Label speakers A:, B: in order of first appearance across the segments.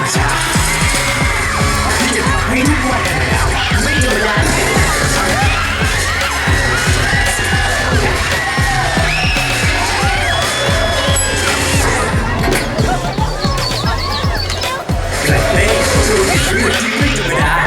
A: รมชาติที่จะทำให้ทุกวันไม่ธรรมดาเกล็ดเล็กสู่ชีวิตที่ไม่ธรรมดา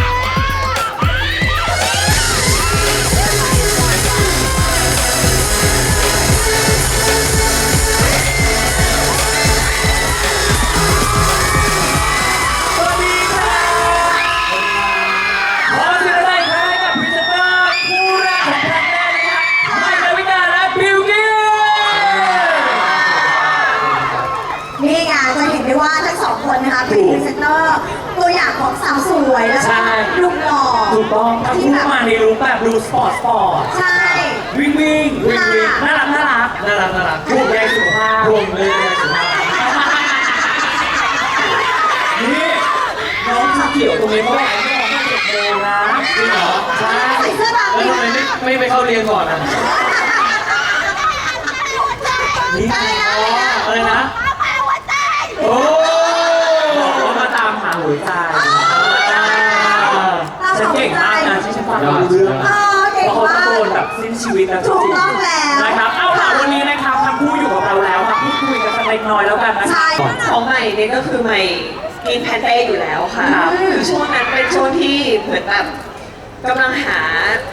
B: นะคะเป็นพรีเซนเตอร์ตัวอย่างของสาวสวยแล้วก็ลุคหล่อ
A: ถูกต้องทั้งคู่มาในรูปแบบดูสปอร์ต
B: ใช่
A: วิ่งน่ารักห่วงใยสุขภาพนี่น้องเขียวตรงนี้เขาบอกให้น้อง7 โมงนะจริงเหรอใช่
B: ใส่เสื้อแบบนี้
C: ไม่ไปเข้าเรียนก่อนนะ
A: นี่อะไรนะโอ้มาตามหาหัวใจฉันเก่งมากนะที่ฉันฟังรู้เรื่องเพราะเขาตะโกนแบบสิ้นชีวิตแล้วจริงๆนะครับเอาล่ะวันนี้นะครับทั้งคู่อยู่กับเราแล้วมาพูดคุยกันสักเล็กน้อยแล้วกันนะครับ
D: ของใหม่เนี่ยก็คือใหม่กินแพนเต้อยู่แล้วค่ะคือช่วงนั้นเป็นช่วงที่เหมือนแบบกำลังหา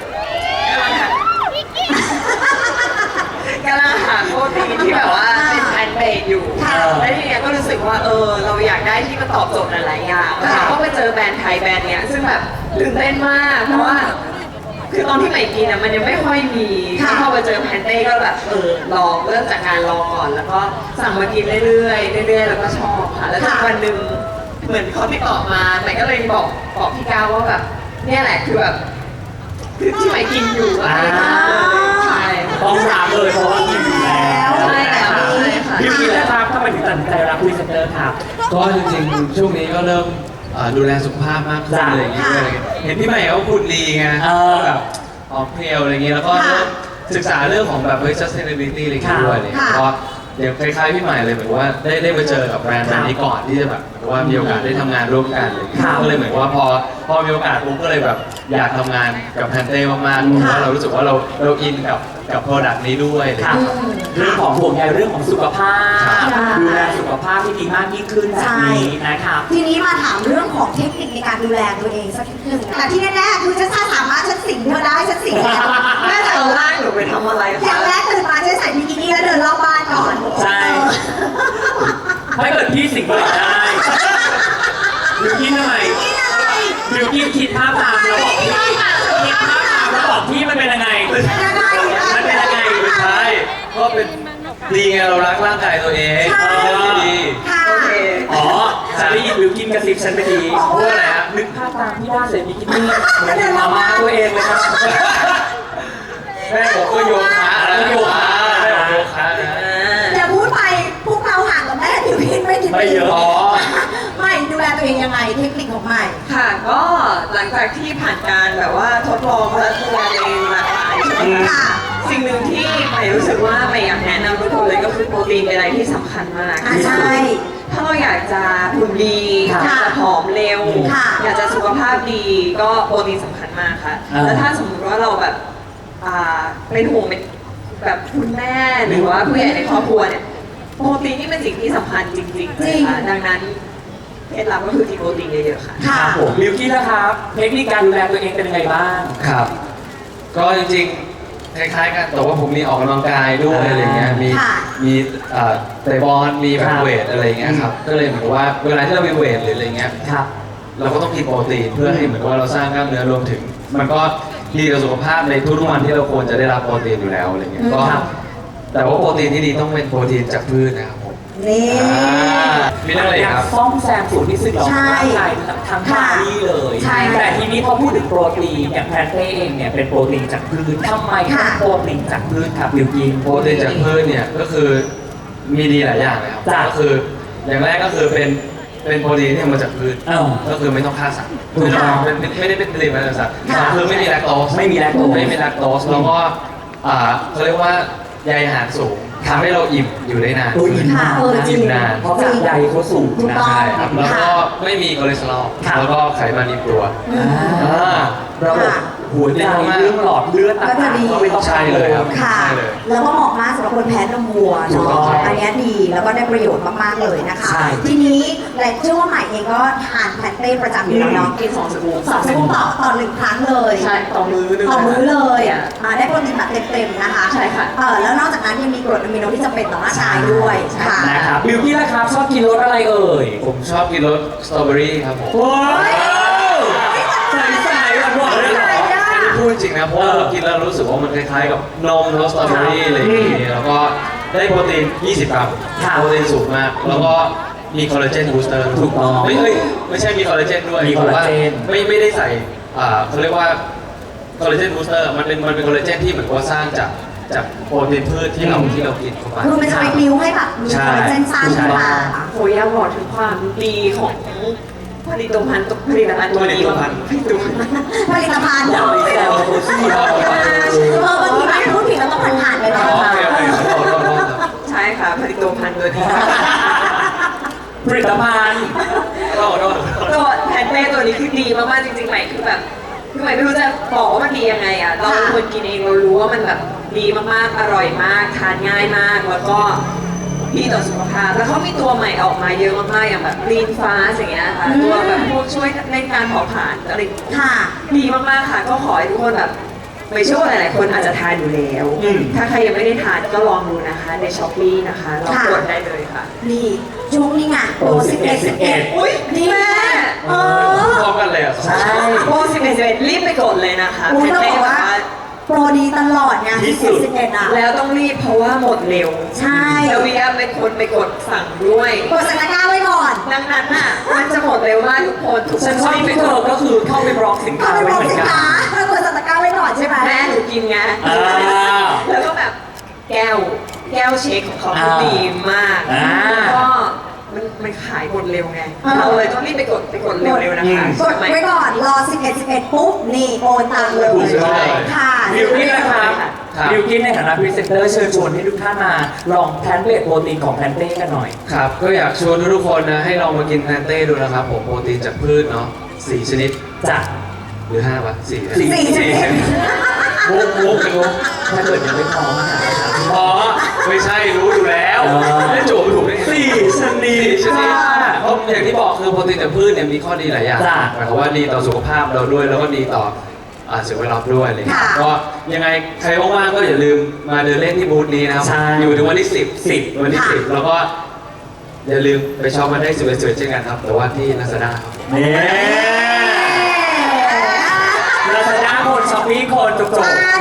D: โปรตีนที่แบบว่าเป็นแพนเบสอยู่แล้วทีเนี้ยก็รู้สึกว่าเราอยากได้ที่มันตอบโจทย์หลายๆอย่างแล้วก็ไปเจอแบรนด์ไทยแบรนด์เนี้ยซึ่งแบบตื่นเต้นมากเพราะว่าคือตอนที่ใหม่กินอ่ะมันยังไม่ค่อยมีพอไปเจอแพนเต้ก็แบบลองเริ่มจากการลองก่อนแล้วก็สั่งมากินเรื่อยๆแล้วก็ชอบค่ะแล้ววันหนึ่งเหมือนเขาติดต่อมาใหม่ก็เลยบอกพี่ก้าวว่าแบบเนี่ยแหละคือแบบคือที่ใหม่กินอยู่อะไรอย่างเงี้ยใช่
A: ต้องถามเลยเพราะว่ากินอยู่แล้ว
D: ใช่แล้ว
A: พี่กินแล้วครับทำไมถึงตัดสินใจรับพรีเซนเตอร์ครับ
C: ก็จริงๆช่วงนี้ก็เริ่มดูแลสุขภาพมากขึ้นเลยอย่างเงี้ยเห็นพี่ใหม่เขาคุณดีไงแบบออกเพลียวอะไรเงี้ยแล้วก็ศึกษาเรื่องของแบบsustainability อะไรด้วยเลยเพราะอย่างคล้ายๆพี่ใหม่เลยเหมือนว่าได้มาเจอกับแบรนด์นี้ก่อนที่จะแบบว่ามีโอกาสได้ทำงานร่วมกันเลยก็เลยเหมือนว่าพอมีโอกาสปุ๊บก็เลยแบบอยากทำงานกับแพนเต้มากๆเพราะว่าเรารู้สึกว่าเราอินกับโปรดักต์นี้ด้วย
A: เรื่องของห่วงใยเรื่องของสุขภาพดูแลสุขภาพที่ดีมากยิ่งขึ้นแบบนี้นะครับ
B: ทีนี้มาถามเรื่องของเทคนิคในการดูแลตัวเองสักนิดนึงแต่ที่แน่ๆคือถ้าสามารถฉันสิงเธอได้ฉันสิงแล้ว
D: น่าจะเอาล่างหนูไปทำอะไร
B: อย่างแรกตื่นมาฉันใส่บิกินี่แล้วเดินรอบบ้านก่อน
A: ใช่ถ้าเกิดพี่สิงเลยได้บิวกินทำไมบิวกินคิดภาพตามแล้วบอกพี่คิดภาพตามแล้วบอกพี่มันเป็นยังไงมันเป็นยังไง
C: ใช่ก็เป็นดีไงเรารักร่างกายตัวเองดี
A: อ๋อฉันได้ยินบิวกินกระซิบฉันไปดี
C: พูดอะไรฮะ
A: นึกภาพตามที่ได้ใส่บิกินี่เหมือนมาม่าตัวเองเลยครับ
C: แม่ผมก็โยคะแล้วโยคะ
B: อย่าพูดไปพวกเราห่างกับแม่บิวกินไม่กี่ปีไม่ดูแลตัวเองยังไงเทคนิคของใหม่
D: ค่ะก็หลังจากที่ผ่านการแบบว่าทดลองและดูแลตัวเองหลากหลายใช่ไหมคะสิ่งหนึ่งที่ใหม่รู้สึกว่าใหม่อยากแนะนำทุกคนเลยก็คือโปรตีนเป็นอะไรที่สำคัญมาก
B: ใช่
D: ถ้าเราอยากจะหุ่นดีอยากจะผอมเร็วอยากจะสุขภาพดีก็โปรตีนสำคัญมากค่ะแล้วถ้าสมมติว่าเราแบบเป็นห่วงเป็นแบบคุณแม่หรือว่าผู้ใหญ่ในครอบครัวเนี่ยโปรตีนนี่เป็นสิ่งที่สำคัญจริงๆเลยค่ะดังนั้นเคล็ดลับก็คือกินโปรตีนเยอะๆค่ะ
A: ครับผมบิวกี้นะครับเทคนิคการดูแลตัวเองเป็นยังไงบ้าง
C: ครับก็จริงๆคล้ายๆกันแต่ว่าผมมีออกกำลังกายด้วยอะไรเงี้ยมีเตะบอลมีแบบเวทอะไรเงี้ยครับก็เลยเหมือนว่าเวลาที่เรามีเวทหรืออะไรเงี้ยเราก็ต้องกินโปรตีนเพื่อให้เหมือนว่าเราสร้างกล้ามเนื้อรวมถึงมันก็ดีต่อสุขภาพในทุกๆวันที่เราควรจะได้รับโปรตีนอยู่แล้วอะไรเงี้ยก็แต่ว่าโปรตีนที่ดีต้องเป็นโปรตีนจากพืชนะครับผม
B: นี่
C: มีอะไรครับ
A: ซ่อมแซมสูตรที่สึกหรอร่างกายทั้งบาดี้เลยแต่ทีนี้พอพูดถึงโปรตีนอย่างแพนเต้เองเนี่ยเป็นโปรตีนจากพืชทำไมโปรตีนจากพืชครับบิวกิน
C: โปรตีนจากพืชเนี่ยก็คือมีดีหลายอย่างเลยครับก็คืออย่างแรกก็คือเป็นโปรตีนที่มาจากพืชก็คือไม่ต้องฆ่าสัตว์ไม่ได้เป็นผลิตมาจากสัตว์คือไม่มีแลคโตสแล้วก็เขาเรียกว่าใยอาหารสูงทำให้เราอิ่มอยู่ได้นาน
A: ตัวอิ่มมาก
B: ค่ะจริง
C: อิ่มนาน
A: เพราะจากใยเขาสูง
B: ถูก
A: นะ
B: ต้อง
C: ใช่ครับแล้วก็ไม่มีคอเลสเตอรอล
A: ครับ
C: แล้วก็ไขมันในตัว
A: อ่าระบบหัวใจเรื่องหลอดเลือดต่างๆก็ไม่ต้อง
C: ใช่เลยครับ
B: ค่ะ
C: ใช่เลย
B: แล้วก็เหมาะมากสำหรับคนแพ้นมวัว
C: ถูกต้
B: เนาะ
C: องครับ
B: อันเนี้ยดีแล้วก็ได้ประโยชน์มากๆเลยนะคะ
A: ใช่
B: ทีนี้และเชื่อว่าใหม่เองก็ทานแพนเต้ประจำอยู่แล้วเนาะ
D: กิน2 สกู๊ป
B: สองสกู๊ปต่อหนึ่งครั้งเลย
D: ใช่ต่อมื้อนึง
B: ต่อมื้อเลย
D: อ่ะ
B: ได้โปรตีนแบบเต็มๆนะคะ
D: ใช่ค่ะ
B: แล้วนอกจากนั้นยังมีกรดอะมิโนที่จำเป็นต่อร่างกายด้วยค่ะ
A: นะครับบิวกี้ล่ะครับชอบกินรสอะไรเอ่ย
C: ผมชอบกินรสสตรอเบอรี่ครับผม
A: ว้าวใส่หวานๆเลยเหรอ
C: อันนี้พูดจริงนะเพราะว่าเรากินแล้วรู้สึกว่ามันคล้ายๆกับนมรสสตรอเบอรี่อะไรอย่างงี้แล้วก็ได้โปรตีน 20 กรัม
A: ครับ
C: โปรตีนสูงมาก แล้วก็มีคอลลาเจนบูสเตอร์
A: ถูกต้อง
C: ไม่ใช่มีคอลลาเจนด้วย
A: มีคอลลาเจน
C: แต่ว่าไม่ได้ใส่เขาเรียกว่าคอลลาเจนบูสเตอร์มันเป็นคอลลาเจนที่เหมือนว่าสร้างจากโปรตีนพืชที่เรากินเข้าไป
B: คือมันจะไปนิ้วให้แบบมี
C: ใช่
B: คอลลาเจนสร้างขึ้นมา
D: โหอยากบอกถึงความดีของผลิตภัณฑ์ตัวนี้
B: ผลิตภัณฑ์
A: อย่าไปแซวโคซี่เขา
B: บางทีแบบพูดผิดแล้วต้องผ่านๆไปเนาะ
C: โอเคขอโทษครับ
D: ใช่ค่ะผลิตภัณฑ์ตัวนี้
A: ผลิตภัณฑ์
C: ขอโทษ
D: ตัวแพนเต้ตัวนี้คือดีมากๆจริงๆใหม่คือแบบคือใหม่ไม่รู้จะบอกว่ามันดียังไงอ่ะเราเป็นคนกินเองเรารู้ว่ามันแบบดีมากๆอร่อยมากทานง่ายมากแล้วก็ดีต่อสุขภาพแล้วเขามีตัวใหม่ออกมาเยอะมากๆอย่างแบบลีนฟ้าอย่างเงี้ยค่ะตัวแบบพวกช่วยในการเผาผลาญอะไร
B: ค่ะ
D: ดีมากๆค่ะก็ขอให้ทุกคนแบบไม่เชื่อว่าหลายๆคนอาจจะทานอยู่แล้ว ถ้าใครยังไม่ได้ทานก็ลองดูนะคะในช้อปปี้นะคะลองกดได้เลยค่ะ
B: นี่ช่วงนี้ไงโปร11
D: อุ้ย
B: นี่
D: แม่
B: เออ
C: พร้อมกันเลยอ่ะ
A: ใช่
D: โปร11รีบไปกดเลยนะคะ
B: อุ้ยต้อง
D: เต้
B: บอกว่า
D: นะคะ
B: โปรดีตลอดไง
A: ที่สุด
B: 11อ่ะ
D: แล้วต้องรีบเพราะว่าหมดเร็ว
B: ใช่
D: แล้ววิยาเป็นคนไปกดสั่งด้วย
B: กดสัญญาไว้ก่อน
D: ดังนั้นน่ะมันจะหมดเร็วมากทุกคนทุกค
A: ฉั
D: น
A: นชอบ
D: รีบไป
A: ที่
D: ก
A: เธอ
D: ด
A: ก็คือเข้าไปบล็อกสิน
B: ก็
A: ค้า
B: ไป
A: ไว้
B: บอก
A: เหมือน
B: สิน
A: กัน
B: ค้าแล้วกดสัญญาไว้ก่อนใช่ไหม
D: แม่หนูกินไง
A: อ่า
D: แล้วก็แบบแก้วเช็คของเขา
A: อ่า
D: ดีมาก
A: อ่า
D: แล้วก็มันขายหมดเร็วไง เราเลยต้องรีบไปกดเร็วๆนะคะ
B: กดไว้ก่อนรอ11ปุ๊บนี่โอนตังค์เลย
C: ใช่
B: ค่ะ
A: บิวกิ้นนะครับ
C: ครับ
A: บิวกิ้นในฐานะพรีเซนเตอร์เชิญชวนให้ทุกท่านมาลองแพนเบสโปรตีนของแพนเต้กันหน่อย
C: ครับก็อยากชวนทุกๆคนนะให้ลองมากินแพนเต้ดูนะครับผมโปรตีนจากพืชเนาะ4ชนิด
A: จ้ะ
C: หรือ5วะ4
B: 4ชนิด
C: มุกเป็นมุก
A: ถ้าเกิดยังไม่พร้อมอาหาร
C: อ๋อไม่ใช่รู้อยู่แล้ว
A: อ๋อ
C: ไม่จูบถูกได้ไง
A: สี่ชนิด
C: 4ชนิดเพราะอย่างที่บอกคือโปรตีนจากพืชเนี่ยมีข้อดีหลายอย่าง
A: จ้ะ
C: หมายความว่าดีต่อสุขภาพเราด้วยแล้วก็ดีต่อสิ่งแวดล้อมด้วยอะไรอย่างเลย
B: ค่ะ
C: ก็ยังไงใครว่างๆก็อย่าลืมมาเดินเล่นที่บูธนี้นะครับ
A: ใช่
C: อยู่ถึงวันที่10วันที่10แล้วก็อย่าลืมไปช็อปมาได้11เช่นกันครับแต่ว่าที่ Lazada ครับ
A: เนี่ยลาซาด้าคนช้อปปี้คนจบ
B: จบเลย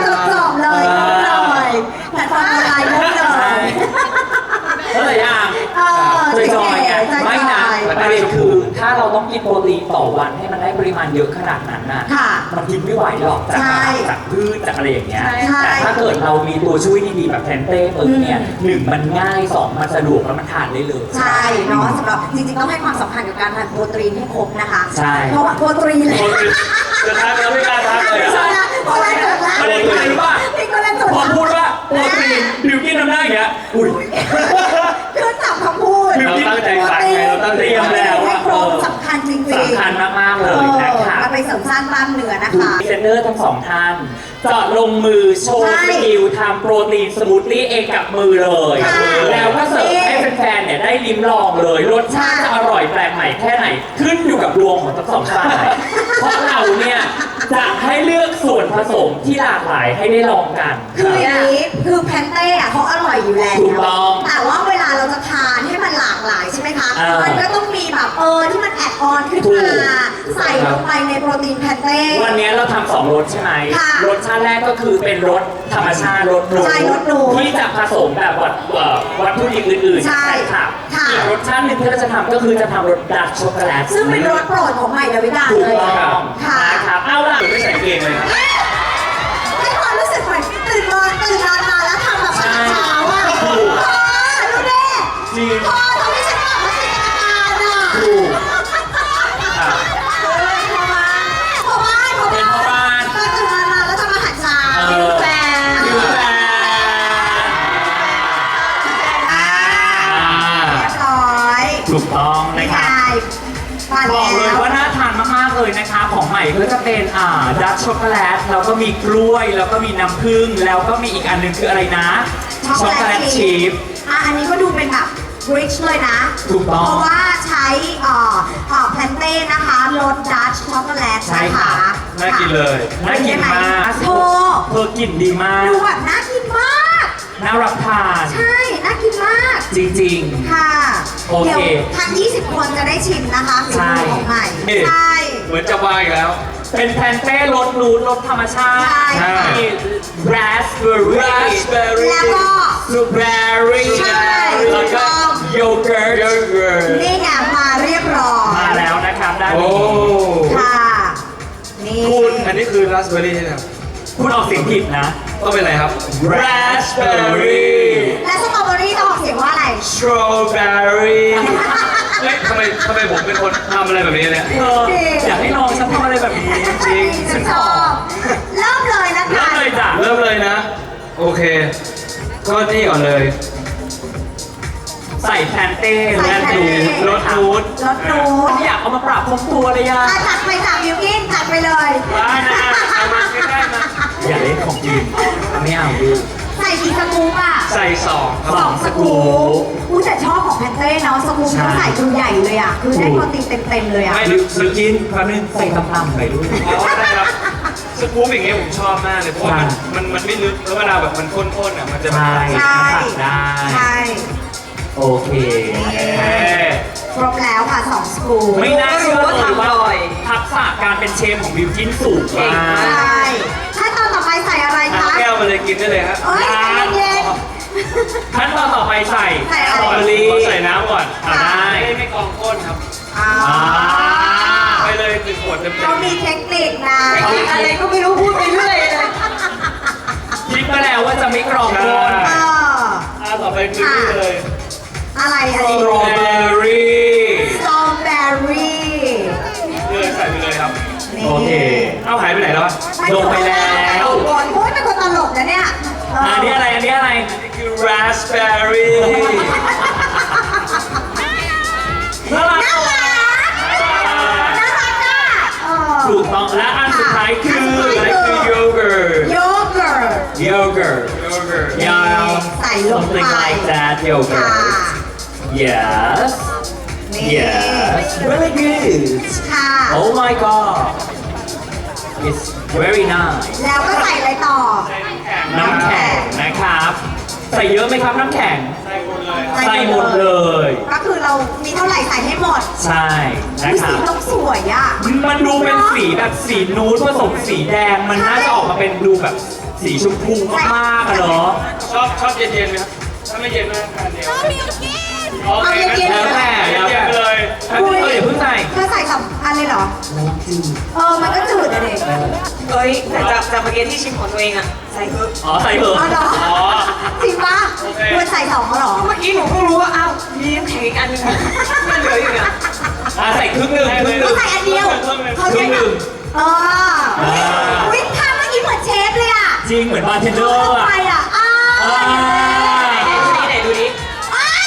B: แพลตฟอร์มออนไลน์ได้เลย
A: เท่าไหร่ยัง จอยๆไงไม่นะประเด็นคือถ้าเราต้องกินโปรตีนต่อวันให้มันได้ปริมาณเยอะขนาดนั้นน่ะ
B: ค่ะ
A: มันกินไม่ไหวหรอกจาก
B: ใช่
A: จากพืชจากอะไรอย่างเงี้ย
B: ใช่
A: แต่ถ้าเกิดเรามีตัวช่วยดีๆแบบแพนเต้ปึ๊บเนี่ยหนึ่งมันง่ายสองมันสะดวกแล้วมันทานได้เลย
B: ใช่เนาะสำหรับจริงๆต้องให้ความสำคัญกับการทานโปรตีนให้ครบนะคะ
A: ใช่
B: เพราะว่าโปรตีนเลย
C: จะทักแล้วไม่กล้าทักเลย
B: ไม่ใช่
C: อะ
B: นะเพราะอะไรจดละ
A: ประเด็นคืออะไรรู้ป่ะ
B: นี่ก็เล่นจด
A: พอ
B: ละ
A: พูดว่าโปรตีนบิวกิ้นทำหน้าอย่างเงี้ยอุ้ย
B: คือจับคำพูด
C: เราตั้งใจฟังไงเราตั้งใจ
A: เตรียมแล้ว
B: ให้
A: อะ
B: ครบสำคัญจริงๆ
A: สำคัญมากๆเลยนะคะ
B: มาไปเสริมสร้างกล้ามเนื้อนะ
A: พ
B: คะ
A: รีเซนเตอร์ทั้งสองท่านเจาะลงมือโชว์
B: ใช่
A: สกิลทำโปรตีนสมูทตี้เองกับมือเลย
B: ค่ะ
A: แล้วก็เสิร์ฟให้แฟนๆเนี่ยได้ลิ้มลองเลย รสชาติจะอร่อยแปลกใหม่แค่ไหน ขึ้นอยู่กับดวงของทั้งสองฝ่าย เพราะเราเนี่ยจะให้เลือกส่วนผสมที่หลากหลายให้ได้ลองกัน
B: คืออย่างนี้คือแพนเต้อะเขาอร่อยอยู่แล้ว
A: ถูกต้อง
B: แต่ว่าเวลาเราจะทานให้มันหลากหลายใช่ไหมคะ มันก็ต้องมีแบบที่มันแอดออนขึ้น
A: ถู
B: มาก ใส่ลงไปในโปรตีนแพนเต้
A: วันนี้เราทำสองรสใช่ไหม
B: ค่ะ
A: รสชาติแรกก็คือเป็นรสธรรมชาติรสนู
B: ใช่รสนู
A: ที่จะผสมแบบวัตถุดิบอื่นๆ
B: ใช่
A: ค่ะ
B: ค่ะ
A: อีกรสชาติหนึ่งที่เราจะทำก็คือจะทำรสดาร์กช็อกโกแลต
B: ซึ่งเป็นรสโปรดของใหม่ดาวิกา
A: ถูก
B: เลย
A: ต้อง
B: ค่ะ
A: นะครับเอาล่ะ
C: ไม่ใส่เกงเลยครับ
B: ให้ความรู้สึกเหมือนตื่นนอนมาแล้วทำแบบว่าเช้าอ่ะดูดิ
A: จริง
B: พอทำให้ฉันแบบว่าจินตนาการอ่ะ
A: ถูก
B: พอบ้าน
A: เป็นพ่อบ้าน
B: ตื่นมาแล้วทำอาหารเช้า
A: เออ
B: แฟน
A: อยู่แฟนถูกต้องนะครับ
B: มา
A: บอกเลย
B: แล้ว
A: ว่าน่าทานมากๆเลยนะคะของใหม่ก็จะเป็นดัชช็อกโกแลตแล้วก็มีกล้วยแล้วก็มีน้ำผึ้งแล้วก็มีอีกอันหนึงคืออะไรนะช็อกโกแลตชีฟ
B: อันนี้ก็ดูเป็นแบบ rich เลยนะ
A: ถูกต้อง
B: เพราะว่าใช้แพลนเต้นะคะรสดัชช็อกโกแลต
A: ใช่
B: นะ
A: ครั
B: คะ
A: บ
C: น่ากินเลย
A: น่ากินมาก
B: โธ่
A: เธอกลิ่นดีมาก
B: ดูแบบน่ากินมาก
A: น่ารับทาน
B: ใช่ น่ากินมาก
A: จริง
B: ค่ะ
A: โอเค
B: เดี๋ยวทั้ง 20 คนจะได้ชิมนะคะฝี
A: ใช่
B: มือของใหม่
C: เอ๊ะ
B: ใช่
C: เหมือนจะวางอีกแล้ว
A: เป็นแพนเต้รสนูนรสธรรมชาติ
B: ใช่
A: มีราสเบอร์รี่
C: raspberry
B: แล้วก็
A: บลูเบอร์รี่
B: ใช่
A: แล้วก็โยเกิร์ต
C: yogurt
B: นี่ไงมาเรียบร้อย
A: มาแล้วนะครับด้าน
C: โอ้
A: นี้
B: ค่ะ นี่
C: คุณอันนี้คือราสเบอร์รี่ใช่ไหมครับ
A: คุณออกเสียงผิดนะ
C: ต้องเป็นอะไรครับ
A: raspberry
B: และสตรอเบอรี่ต้องออกเสียงว่าอะไร
C: strawberry เฮ้ยทำไมผมเป็นคนทำอะไรแบบนี้เนี่ย
A: อยากให้น้องฉันทำอะไรแบบนี้จริง
B: ฉันชอบเริ่มเลยนะ
A: เริ่
B: คะ
A: มเลยจ้ะ
C: เริ่มเลยนะ โอเค ก็นี่ก่อนเลย
A: ใส่แพนเต้
B: ใส่
A: และ
B: แพน
A: ดู
B: เต้
A: รสนูด
B: รสนูด
A: อยากเอามาปรับพงตัวเลยอะ
B: จัดไปค่ะบิวกินจัดไปเลย
A: ได้นะเอามาใกล้ๆมาอย่าเล่นของจริงไม่เอาดู
B: ใส่กี่สกู๊ปอ่ะ
C: ใส่สองครับ
B: สองสกู๊ปอู้แต่ชอบของแพนเต้เนาะสกู๊ปเขาใส่ตัวใหญ่เลยอ่ะ คือได้โปรตีนเต็มๆเลยอ่ะ
A: ไม่ซื้อกินแป๊บนึงใส่ต่ำๆไปด้วย
C: อ๋อได้ครับสกู๊ปอย่างเงี้ยผมชอบมากเลยเพราะว่ามันไม่ลึกแล้วเวลาแบบมันข้นๆอ่ะมันจะแบบ
A: ใช่
B: ใช่
A: ตัดได้
B: ใช่
A: โอเค
B: ครบแล้วค่ะสองสกู๊ป
A: ไม่น่าเชื่อเลยว่า
D: ทำอร่อย
A: ทักษะการเป็นเชฟของบิวกินสูง
D: เก่ง
A: มาม
D: าก
A: ก
B: ใช่ขั้นตอนต่อไปใส่อะไร
C: เอา
B: คะ
C: แก้วมาเลยกินได้เลยครับ
B: เอ้ยใจเย็น
A: ขั้นตอนต่อไปใส่
B: ใส่
A: ส
B: อะ
A: ต
B: ไร
A: รอเบอรี่
C: ขอใส่น้ำก่อน
A: ได้
C: ไม่กองก้นครับ
B: อ่า
C: ไปเลยหนึ่งขวดเต็ม
B: เรามีเทคนิคนะ
D: อะไรก็ไม่รู้พูดไปเรื่อยเลย
A: คิดมาแล้วว่าจะไม่กรองก้น
B: เออ
C: ต่อไปคือนี่เลย
B: อะไร
A: ส
B: อะไร
A: ตรอเบอรี่
B: สตรอเบอรี่
C: ใส่ไปเลยครับ
B: นี่
A: โอเค
C: เอาหายไปไหนแล้ววะ
A: ลงไปแล้ว
B: ก่อนโอ้ยเป็นคนตลกนะเนี่ยเ
A: อันนี้อะไร อันนี้อะไร
C: นี่คือ raspberry
A: น่ารัก
B: น่ารักน่ารักอ่ะเออ
A: ถูกต้องและอันสุดท้ายคือ
C: อันนี้คือ yogurt
B: โยเกิร์ต
A: yogurt
C: yogurt
A: yeah
B: ใส่ลงไป
A: something like that
B: ค่ะ
A: yogurt yes
B: นี่
A: yes really good
B: ค่ะ
A: oh my god it's very nice
B: แล้วก็ใส่อะไรต่อ
A: น้ำแข็งนะครับ ใส่เยอะไหมครับน้ำแข็ง
C: ใส่หมดเลย
A: ใส่หมดเลย
B: ก็คือเรามีเท่าไหร่ใส่ให้หมด
A: ใช่นะค
B: สี
A: รับ
B: ต้องสวยอ่ะ
A: มันดูเป็นสีแบบสีนูดผสมสีแดง มันน่าจะออกมาเป็นดูแบบสีชมพูมากๆอะเนาะ
C: ชอบเย็นๆไหมครับ ถ้าไม่เย็นไม่ต้องทานเดียวโอเค
B: เอาเย็นๆ
C: งั้
A: แล้วแต่
C: เย็นๆไปเลย
A: อันนี้เดี๋ยวเพิ่งใส่
B: เธอใส่สองอันเลยเหรอ มันก็จืดอะเด็ก
D: เอ้ยแต่จากเมื่อกี้ที่ชิมของตัวเองอะใส่เพิ่ม
A: อ๋อใส่เถอะ
B: อ๋อเหรอ
C: อ๋อ
B: จริงปะ
C: โอเค
B: ควรใส่สองเหรอ
D: เมื่อกี้หนูเพิ่งรู้ว่าอ้าวมีน้ำแข็งอีกอันนึงมันเหลืออยู่เนี่ย
A: ใส่ครึ่งหนึ่งครึ่งห
B: ก็
A: นึ่ง
B: ใส่อันเดียวเขาใช้
A: ครึ่งหนึ่ง
B: เอออุ๊ยทำเมื่อกี้เหมือนเชฟเลยอ่ะ
A: จริงเหมือนบาร์เทนเดอร์
B: เข้า
A: อะ
B: ไปอ่ะ
A: อ่
B: อ้าว
A: า
D: ไหนดูดิ
B: อ้าย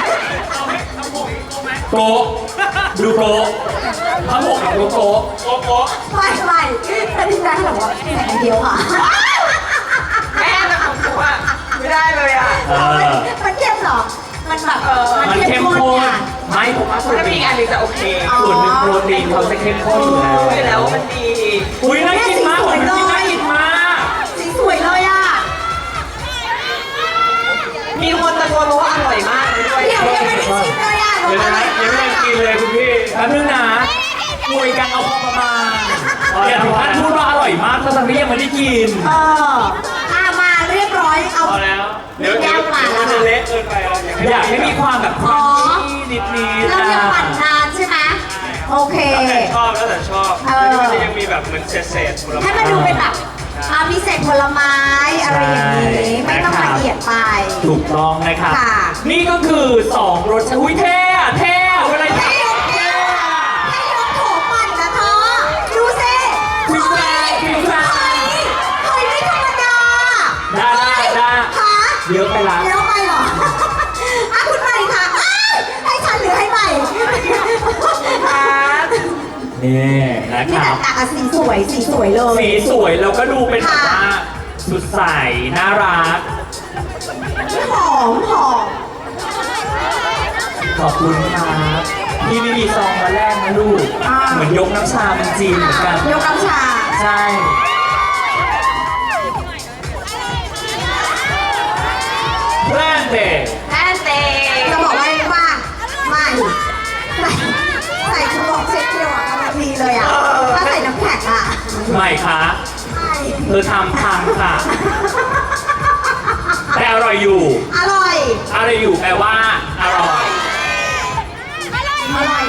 A: โกะดูโกะทั้งหมดกับโกะ
C: โป๊ะโป๊ะ
B: ไม่แต่ที่ร้านบอกว่าใส่อันเดียวค่ะ
D: แม่แต่ของหนูอะไม่ได้เลยอะ
A: เออ
B: มันเข้มเหรอ มันแบบ
A: มันเข้มข้น
B: อ่ะ
A: ไม่ผมว่าส่วน
D: ถ้า
A: ห
D: มี
A: นึ่ง
D: อีกอันหนึงจะโอเค
A: ส่วนหนึ่งโปรตีนเขาจะเข้มข้นอยู่แล้ว
D: รู้อยู่แล้วว่ามันดี
A: อุ้ยน่ากินมากผมกินน่ากินมาก
B: สีสวยเลยอ่ะ
D: มีคนตะโกนมาว่าอร่อยมากเลยด้วย
B: เดี๋ยวยังไม่ได้ชิมเลยอ่ะ
C: เดี๋ยวนะยังไม่ได้กินเลยคุณพี่
A: แป๊บนึงนะคุยกันเอาพอประมาณอย่าถึงขั้นพูดว่าอร่อยมากถ้าตอนนี้ยังไม่ได้กิน
B: มาเรียบร้อยเอา
C: พอแล้ว เดี๋ยวมันจะเละเกินไปเราอยากให้
A: อยากให้มีความแบบครันชี่นิดๆ
B: เรา
A: นะ
B: ยังปั่นนานใช่ไหมโอเค
C: แล้วแต่ชอบแล้วมันจะยังมีแบบเหมือนเศษๆผลไม้
B: ให้มันดูเป็นแบบมีเศษผลไม้อะไรอย่างนี้ ไม่ต้องละเอียดไป
A: ถูกต้องนะครับ
B: ค่ะ
A: นี่ก็คือ2รสชาติอุ้ยเท่อะเท่อะเวลา
B: ให้ยกให้ยกโถปั่นนะเธอดูสิ
A: ฟิวแฟร์ฟิวแฟร์
B: เฮ้ยไม่ธรรมดา
A: ได้
B: คะ
A: เยอะไปละ
B: เยอะไปเหรอคุณใหม่ค่ะอ้าวให้ฉันหรือให้ใหม่
A: นี่นะ
B: ที่
A: ค
B: แบ
A: รั
B: บบ แต่สีสวยสีสวยเลย
A: สีสวยแล้วก็ดูเป็นแบบว่าสดใสน่ารัก
B: หอมหอม
A: ขอบคุณครับพี่ไม่มีซองมาแรกนะลูก เหมือนยกน้ำชาเป็นจีนเหมือนกัน
B: ยกน้ำชา
A: ใช่แพร่เด็ก
D: แอนเต้
B: จะบอกว่าว่าไม่ใส่ชุดบอกเช็คเดียวอ่ะกำลังดีเลยอ่ะถ้าใส่น้ำแข็งอ่ะ
A: ใหม่คะ
B: ใช่
A: เธอทำค่ะ แต่อร่อยอยู่
B: อร่อย
A: อร่อยอยู่แปลว่าอร่อย
B: อร่อย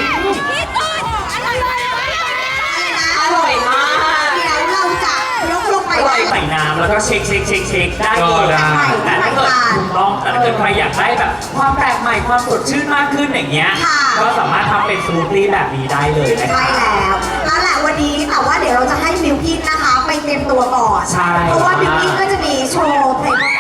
D: อร่อยมาก
B: เดี๋ยวเราจะยกลงไป
A: ใส่น้ำแล้วก็เช็คได้เลย
C: ได้
A: แต่ถ้าเกิดถูกต้องแต่ถ้าเกิดใครอยากได้แบบความแปลกใหม่ความสดชื่นมากขึ้นอย่างเงี้ย ก็สามารถทำเป็นสมูทตี้แบบนี้ได้เลยนะค
B: ใช่
A: รับ
B: แล้วนั่นแหละวันนี้แต่ว่าเดี๋ยวเราจะให้บิวกินนะคะ ไปเตรียมตัวก่อน
A: ใช่
B: เพราะว่าบิวกินก็จะมีโชว์เพลง